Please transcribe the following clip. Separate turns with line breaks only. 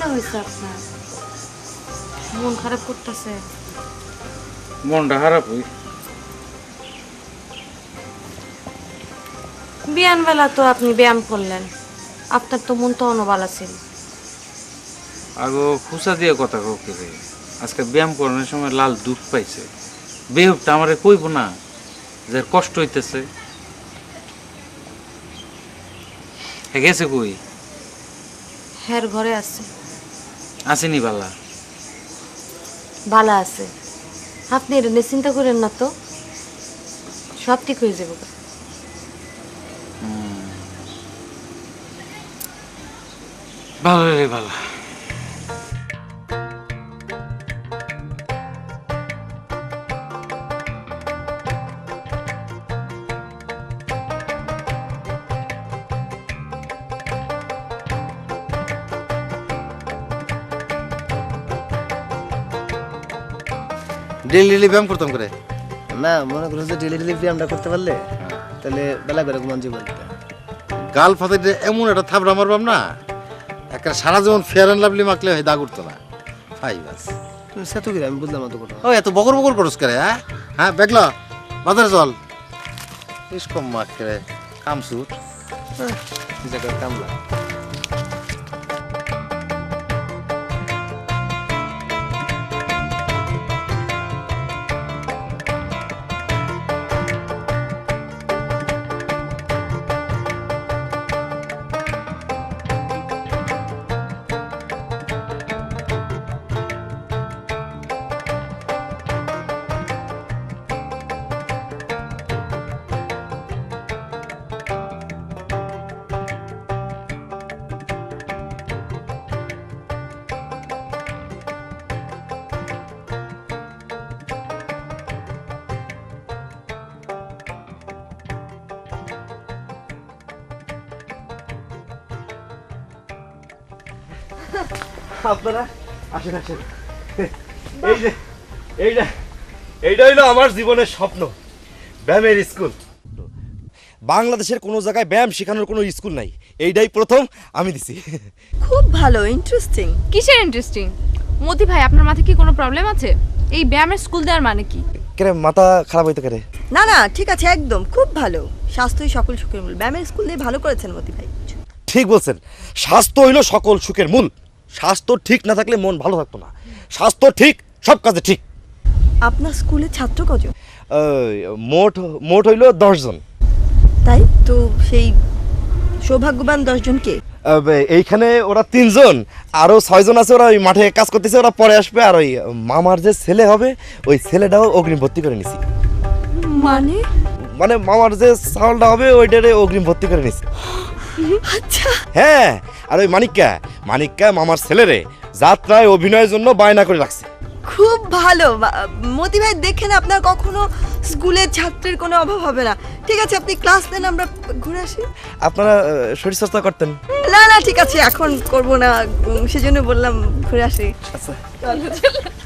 কিতা হয়েছে আপনার? মন খারাপ করতেছে?
মনটা খারাপ হই।
বিয়ান বেলা তো আপনি ব্যায়াম করলেন, আপনার তো মন তো অনবালা ছিল।
আগো খুসা দিয়ে কথা কাউকে রে, আজকে ব্যায়াম করানোর সময় লাল দুধ পাইছে। বেহুবটা আমারে কইব না যে কষ্ট হইতেছে? গেছে কই?
হ্যার ঘরে আছে।
আসেনি বালা?
ভালো আছে, আপনি এটা নিয়ে চিন্তা করেন না তো, সব ঠিক হয়ে যাবে।
ভালো রে ভালো।
ডেলি ব্যায়াম করতাম করে।
না মনে করো যে ডেলি ব্যায়ামটা করতে পারলে তাহলে বেলা করে ঘুমান জীবন
গাল ফাতে এমন একটা থাবড়া মারবাম না, একটা সারা জীবন ফেয়ার অ্যান্ড লাভলি মাখলে হয় দাগ উঠতো না। ভাই বাস
তুমি সেতু কি আমি বুঝলাম তো কথা।
ও এত বকর বকর করস করে? হ্যাঁ হ্যাঁ বেগলা বাজারে চল। বেশ কম মাখ করে কামসুর
জায়গায় কামলা।
আপনারা আসেন আসেন। এই যে এইটা এইটা হইলো আমার জীবনের স্বপ্ন, ব্যায়ামের স্কুল। বাংলাদেশের কোনো জায়গায় ব্যায়াম শেখানোর কোনো স্কুল নাই, এইটাই প্রথম আমি দিছি।
খুব ভালো, ইন্টারেস্টিং।
কিসের ইন্টারেস্টিং? মতি ভাই, আপনার মাথায় কি কোনো প্রবলেম আছে? এই ব্যায়ামের স্কুল দেওয়ার মানে কি?
কেরে মাথা খারাপ হইতে কেরে?
না না ঠিক আছে, একদম খুব ভালো। স্বাস্থ্যই সকল সুখের মূল। ব্যায়ামের স্কুল দিয়ে ভালো করেছেন মতি ভাই।
ঠিক বলছেন, স্বাস্থ্য হইলো সকল সুখের মূল। স্বাস্থ্য ঠিক না থাকলে মন ভালো থাকতো না। স্বাস্থ্য ঠিক, সব কাজে ঠিক।
আপনার স্কুলে ছাত্র কজন?
মোট মোট হইলো 10 জন।
তাই তো, সেই সৌভাগ্যবান 10 জন কে?
এইখানে ওরা 3 জন, আরো 6 জন আছে, ওরা ওই মাঠে কাজ করতেছে, ওরা পরে আসবে। আর ওই মামার যে ছেলে হবে, ওই ছেলেটাও অগ্রিম ভর্তি করে নিছি।
মানে
মানে মামার যে চাউলটা হবে ওইটারে অগ্রিম ভর্তি করে নিছি।
আচ্ছা,
হ্যাঁ, আর ওই মানিক্কা মামার ছেলেরে যাত্রায় অভিনয়ের জন্য বায়না করে রাখছে।
খুব ভালো। মতি ভাই দেখেন, আপনার কখনো স্কুলের ছাত্রের কোনো অভাব হবে না। ঠিক আছে, আপনি ক্লাস নেন, আমরা ঘুরে আসি।
আপনারা শরীরচর্চা করতেন?
না না ঠিক আছে, এখন করব না, সেজন্য বললাম ঘুরে আসি।
আচ্ছা
চলো।